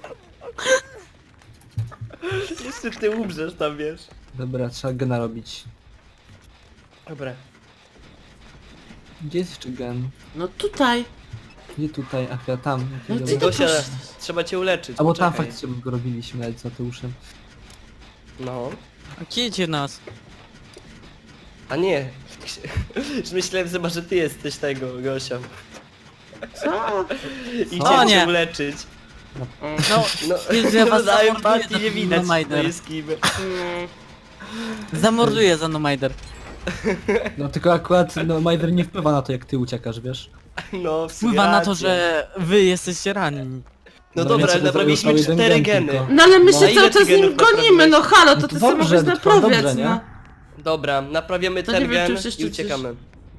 [SPEAKER 4] Jeszcze ty umrzesz tam, wiesz.
[SPEAKER 2] Dobra, trzeba gena robić.
[SPEAKER 4] Dobra.
[SPEAKER 2] Gdzie jest jeszcze gen?
[SPEAKER 1] No tutaj.
[SPEAKER 2] Nie tutaj, ach ja tam.
[SPEAKER 1] No
[SPEAKER 2] Okej,
[SPEAKER 1] ty
[SPEAKER 2] dobra.
[SPEAKER 1] to
[SPEAKER 4] Gosia,
[SPEAKER 1] poszedł.
[SPEAKER 4] trzeba cię uleczyć.
[SPEAKER 2] A bo tam
[SPEAKER 4] poczekaj.
[SPEAKER 2] faktycznie go robiliśmy nawet z Mateuszem.
[SPEAKER 4] No.
[SPEAKER 3] Kidzie nas.
[SPEAKER 4] A nie. Już myślałem chyba, że ty jesteś tego, Gosia.
[SPEAKER 1] Co?
[SPEAKER 4] I
[SPEAKER 3] O,
[SPEAKER 4] chciałem
[SPEAKER 3] nie.
[SPEAKER 4] cię uleczyć.
[SPEAKER 1] O,
[SPEAKER 3] No,
[SPEAKER 4] No,
[SPEAKER 3] Jezu, ja was
[SPEAKER 4] na
[SPEAKER 3] zamorduję
[SPEAKER 4] empatii
[SPEAKER 3] za
[SPEAKER 4] nie widać,
[SPEAKER 3] No
[SPEAKER 4] kto
[SPEAKER 3] Mider.
[SPEAKER 4] jest kim.
[SPEAKER 1] no.
[SPEAKER 3] zamorduję za no mider.
[SPEAKER 2] No tylko akurat no Majder nie wpływa na to jak ty uciekasz, wiesz?
[SPEAKER 4] No, w sumie
[SPEAKER 3] Wpływa na to,
[SPEAKER 4] racja.
[SPEAKER 3] że wy jesteście ranni.
[SPEAKER 4] No
[SPEAKER 2] No
[SPEAKER 4] dobra,
[SPEAKER 2] więc
[SPEAKER 4] ale naprawiliśmy
[SPEAKER 2] został jeden
[SPEAKER 4] cztery
[SPEAKER 2] gen
[SPEAKER 4] geny.
[SPEAKER 2] tylko.
[SPEAKER 1] No ale my
[SPEAKER 2] No.
[SPEAKER 1] się
[SPEAKER 4] A ile
[SPEAKER 1] cały
[SPEAKER 4] ty
[SPEAKER 1] czas z nim
[SPEAKER 4] genów
[SPEAKER 1] gonimy, no
[SPEAKER 4] naprawiłeś?
[SPEAKER 1] halo,
[SPEAKER 2] No
[SPEAKER 1] to
[SPEAKER 2] to
[SPEAKER 1] ty sobie
[SPEAKER 2] dobrze,
[SPEAKER 1] mogłeś
[SPEAKER 2] to dobrze,
[SPEAKER 1] naprawiać,
[SPEAKER 2] nie?
[SPEAKER 1] no.
[SPEAKER 4] Dobra, naprawiamy
[SPEAKER 1] To nie
[SPEAKER 4] ten
[SPEAKER 1] wiem, czy
[SPEAKER 4] gen
[SPEAKER 1] już jeszcze
[SPEAKER 4] i
[SPEAKER 1] coś-
[SPEAKER 4] uciekamy.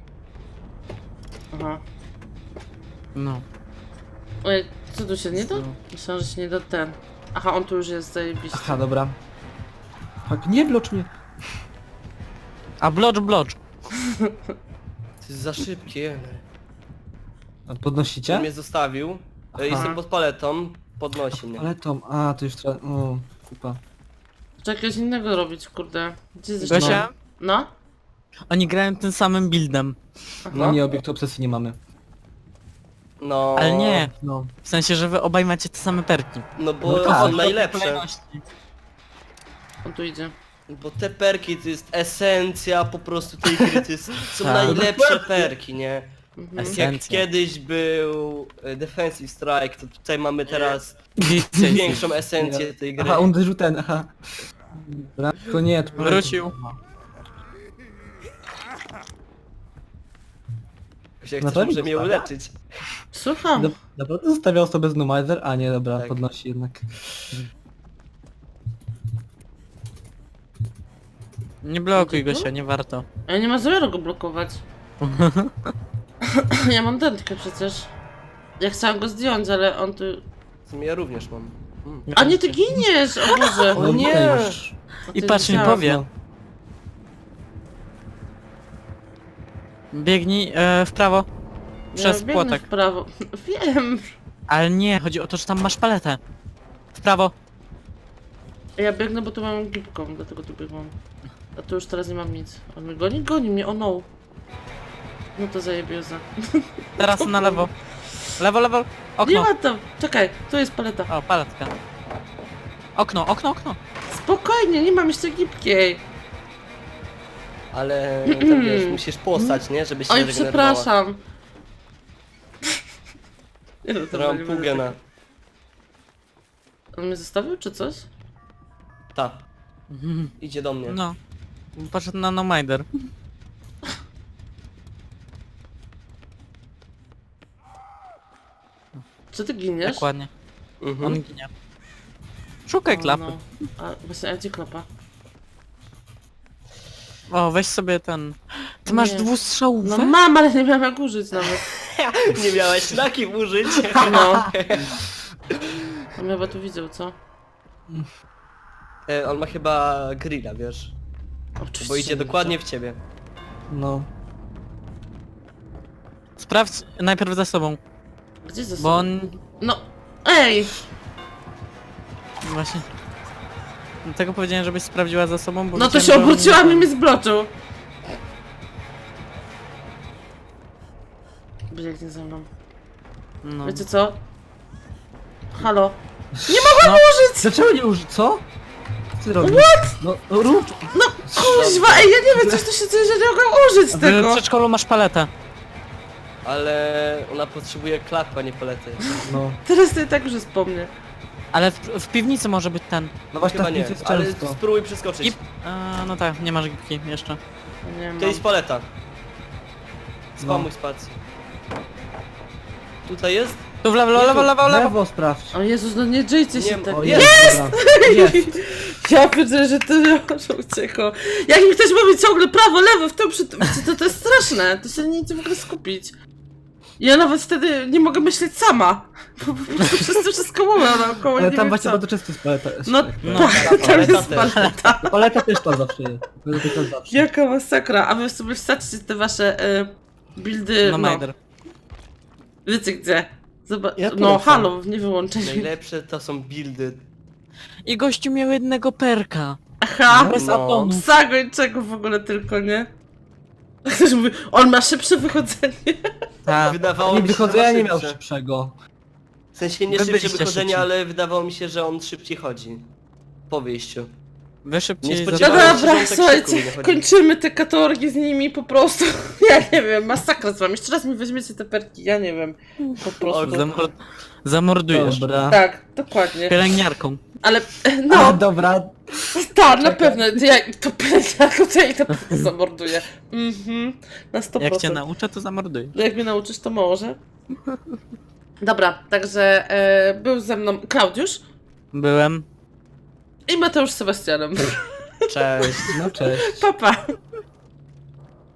[SPEAKER 1] Aha.
[SPEAKER 3] No.
[SPEAKER 1] Oj, co tu się nie da? Myślałam, że się nie da ten. Aha, on tu już jest zajebiście.
[SPEAKER 2] Aha, dobra. Tak, nie blocz mnie.
[SPEAKER 3] A blocz, blocz.
[SPEAKER 4] To jest za szybkie.
[SPEAKER 2] A
[SPEAKER 4] On
[SPEAKER 2] podnosicie?
[SPEAKER 4] mnie zostawił.
[SPEAKER 2] Aha.
[SPEAKER 4] Jestem pod paletą. Podnosi mnie.
[SPEAKER 2] Ale Tom, a to już trzeba... O, kupa.
[SPEAKER 1] Trzeba czegoś innego robić, kurde. Gdzie jest
[SPEAKER 3] Gosia?
[SPEAKER 1] No?
[SPEAKER 3] Oni grają tym samym buildem.
[SPEAKER 2] No nie, obiektu obsesji nie mamy.
[SPEAKER 4] No.
[SPEAKER 3] Ale nie.
[SPEAKER 2] No.
[SPEAKER 3] W sensie, że wy obaj macie te same perki.
[SPEAKER 4] No bo
[SPEAKER 2] No tak.
[SPEAKER 4] są najlepsze.
[SPEAKER 1] On tu idzie.
[SPEAKER 4] Bo te perki to jest esencja po prostu tej gry. To jest, są
[SPEAKER 3] Tak.
[SPEAKER 4] najlepsze perki, nie?
[SPEAKER 1] Mhm.
[SPEAKER 4] Jak
[SPEAKER 3] Esencja.
[SPEAKER 4] kiedyś był e, Defensive Strike, to tutaj mamy teraz
[SPEAKER 3] Widzicie,
[SPEAKER 4] większą esencję tej gry.
[SPEAKER 2] Aha, on uderzył ten, aha. Dobra, tylko nie, to
[SPEAKER 3] Wrócił.
[SPEAKER 4] Ktoś jak
[SPEAKER 2] Na
[SPEAKER 4] chcesz,
[SPEAKER 2] pewno
[SPEAKER 4] może mnie
[SPEAKER 2] zostawia?
[SPEAKER 4] uleczyć.
[SPEAKER 1] Słucham.
[SPEAKER 2] Do- Naprawdę zostawiał sobie z Numizer? A nie, dobra,
[SPEAKER 4] Tak.
[SPEAKER 2] podnosi jednak.
[SPEAKER 3] Nie blokuj Gosia, nie warto.
[SPEAKER 1] Ja nie ma zamiaru go blokować. Ja mam dętkę przecież. Ja chciałam go zdjąć, ale on tu...
[SPEAKER 4] W sumie ja również mam. Mm.
[SPEAKER 1] A nie, ty giniesz! O Boże!
[SPEAKER 4] O nie!
[SPEAKER 2] okej już.
[SPEAKER 1] O,
[SPEAKER 3] I
[SPEAKER 1] ty
[SPEAKER 3] patrz, nie
[SPEAKER 1] wiedziałam.
[SPEAKER 3] powie.
[SPEAKER 2] No.
[SPEAKER 3] Biegnij e, w prawo. Przez
[SPEAKER 1] ja biegnę
[SPEAKER 3] płotek.
[SPEAKER 1] w prawo. Wiem.
[SPEAKER 3] Ale nie, chodzi o to, że tam masz paletę. W prawo.
[SPEAKER 1] Ja biegnę, bo tu mam gipką, dlatego tu biegłam. A tu już teraz nie mam nic. On mnie goni? Goni mnie, o no. No to zajebioza.
[SPEAKER 3] Teraz na lewo. Lewo, lewo.
[SPEAKER 1] Nie
[SPEAKER 3] Okno.
[SPEAKER 1] ma tam. Czekaj, tu jest paleta.
[SPEAKER 3] O, paletka. Okno, okno, okno.
[SPEAKER 1] Spokojnie, nie mam jeszcze gipkiej.
[SPEAKER 4] Ale tam wiesz, musisz postać, nie? Żeby się
[SPEAKER 1] Oj,
[SPEAKER 4] regenerowała.
[SPEAKER 1] przepraszam. Nie no, to
[SPEAKER 4] Mam
[SPEAKER 1] nie
[SPEAKER 4] pół
[SPEAKER 1] będę
[SPEAKER 4] gena.
[SPEAKER 1] tak- On mnie zostawił, czy coś?
[SPEAKER 4] Ta, idzie do mnie.
[SPEAKER 3] No. Patrz na No Minder.
[SPEAKER 1] Czy ty giniesz?
[SPEAKER 3] Dokładnie.
[SPEAKER 4] Mhm.
[SPEAKER 3] On ginie. Szukaj
[SPEAKER 1] O,
[SPEAKER 3] klapy.
[SPEAKER 1] no. A właśnie, a gdzie klapa?
[SPEAKER 3] O, weź sobie ten... Ty masz
[SPEAKER 1] Nie.
[SPEAKER 3] dwustrzałówkę?
[SPEAKER 1] No mam, ale nie miałam jak użyć nawet.
[SPEAKER 4] Nie miałeś na kim użyć.
[SPEAKER 1] No. On chyba tu widział, co?
[SPEAKER 4] E, on ma chyba grilla, wiesz?
[SPEAKER 1] Oczywiście.
[SPEAKER 4] Bo idzie
[SPEAKER 1] nie
[SPEAKER 4] dokładnie w ciebie.
[SPEAKER 2] No.
[SPEAKER 3] Sprawdź najpierw za sobą,
[SPEAKER 1] widział. Gdzie ze
[SPEAKER 3] bo
[SPEAKER 1] sobą?
[SPEAKER 3] on...
[SPEAKER 1] No, ej!
[SPEAKER 3] Właśnie... Dlatego powiedziałem, żebyś sprawdziła za sobą, bo...
[SPEAKER 1] No to
[SPEAKER 3] widziałem,
[SPEAKER 1] się
[SPEAKER 3] że on-
[SPEAKER 1] obróciłam i mnie zbloczył. Biegnie ze mną.
[SPEAKER 3] No.
[SPEAKER 1] Wiecie co? Halo?
[SPEAKER 3] No.
[SPEAKER 2] Dlaczego nie użyć? Co? Co ty robisz? What? No rób!
[SPEAKER 1] No kuźwa, ej, ja nie wiem, coś tu się dzieje, że nie mogę użyć
[SPEAKER 3] W
[SPEAKER 1] tego.
[SPEAKER 3] przedszkolu masz paletę.
[SPEAKER 4] Ale ona potrzebuje klapy, a nie palety.
[SPEAKER 2] No.
[SPEAKER 1] Teraz to i tak już jest po mnie.
[SPEAKER 3] Ale w, w piwnicy może być ten.
[SPEAKER 2] No właśnie
[SPEAKER 4] Chyba
[SPEAKER 2] tak
[SPEAKER 4] nie,
[SPEAKER 2] jest
[SPEAKER 4] ale
[SPEAKER 2] często.
[SPEAKER 4] spróbuj przeskoczyć.
[SPEAKER 3] I... A, no tak, nie masz gipki jeszcze.
[SPEAKER 1] Nie mam.
[SPEAKER 4] To jest paleta.
[SPEAKER 2] No.
[SPEAKER 4] Spamuj spację. Tutaj jest?
[SPEAKER 3] Tu w lewo, lewo, lewo, lewo.
[SPEAKER 2] Lewo sprawdź.
[SPEAKER 1] O Jezus, no nie dżyjcie się
[SPEAKER 4] Nie,
[SPEAKER 1] tak.
[SPEAKER 2] O,
[SPEAKER 4] jest!
[SPEAKER 2] jest! Jest!
[SPEAKER 1] Ja widzę, że to że uciekło. Jak mi ktoś mówi ciągle prawo, lewo, w tym przy tym, to, to jest straszne. To się nie idzie w ogóle skupić. Ja nawet wtedy nie mogę myśleć sama. Bo po prostu wszyscy wszystko mówią naokoło,
[SPEAKER 2] Ale
[SPEAKER 1] nie
[SPEAKER 2] tam
[SPEAKER 1] wiem
[SPEAKER 2] właśnie
[SPEAKER 1] co.
[SPEAKER 2] bardzo często jest paleta.
[SPEAKER 1] No,
[SPEAKER 3] No,
[SPEAKER 1] tak, tam
[SPEAKER 4] paleta
[SPEAKER 1] jest
[SPEAKER 4] też.
[SPEAKER 1] paleta.
[SPEAKER 2] Paleta też tam zawsze jest. Paleta też zawsze.
[SPEAKER 1] Jaka masakra. A wy sobie wsadźcie te wasze y, buildy,
[SPEAKER 3] No
[SPEAKER 1] no,
[SPEAKER 3] Minder.
[SPEAKER 1] wiecie gdzie. Zobacz,
[SPEAKER 2] Ja
[SPEAKER 1] no
[SPEAKER 2] polecam.
[SPEAKER 1] halo, nie wyłączenie.
[SPEAKER 4] Najlepsze to są buildy.
[SPEAKER 3] I gościu miał jednego perka.
[SPEAKER 1] Aha,
[SPEAKER 3] Bez
[SPEAKER 4] No.
[SPEAKER 3] atomu.
[SPEAKER 1] psa gończego w ogóle tylko, nie? Ktoś mówi, on ma szybsze wychodzenie.
[SPEAKER 3] Tak.
[SPEAKER 4] Wydawało
[SPEAKER 2] Nie
[SPEAKER 4] mi się, że
[SPEAKER 2] wychodzenia
[SPEAKER 4] ma
[SPEAKER 2] nie miał
[SPEAKER 4] szybsze.
[SPEAKER 2] szybszego.
[SPEAKER 4] W sensie nie
[SPEAKER 3] Wy
[SPEAKER 4] szybsze
[SPEAKER 3] byliście
[SPEAKER 4] wychodzenia,
[SPEAKER 3] szybci.
[SPEAKER 4] ale wydawało mi się, że on szybciej chodzi. Po wyjściu.
[SPEAKER 3] Wy
[SPEAKER 4] Nie
[SPEAKER 3] szybciej
[SPEAKER 1] No
[SPEAKER 4] spodziewałem
[SPEAKER 3] za...
[SPEAKER 4] się, że
[SPEAKER 1] dobra,
[SPEAKER 4] on tak
[SPEAKER 1] słuchajcie,
[SPEAKER 4] szybko nie chodzi.
[SPEAKER 1] kończymy te katorgi z nimi po prostu. Ja nie wiem, masakra z wami. Jeszcze raz mi weźmiecie te perki, ja nie wiem. Po prostu.
[SPEAKER 3] Zamor... Zamordujesz.
[SPEAKER 2] Dobra.
[SPEAKER 1] Tak, dokładnie.
[SPEAKER 3] Pielęgniarką.
[SPEAKER 1] Ale,
[SPEAKER 2] A,
[SPEAKER 1] no,
[SPEAKER 2] dobra.
[SPEAKER 1] tak, na pewno. Ja to pielęgniarką, to ja ich na pewno zamorduję. Mhm, na sto procent.
[SPEAKER 3] Jak cię nauczę, to zamorduję.
[SPEAKER 1] No jak mnie nauczysz, to może. Dobra, także e, był ze mną Klaudiusz
[SPEAKER 3] Byłem.
[SPEAKER 1] i Mateusz z Sebastianem.
[SPEAKER 4] Cześć.
[SPEAKER 2] No cześć.
[SPEAKER 1] Pa, pa.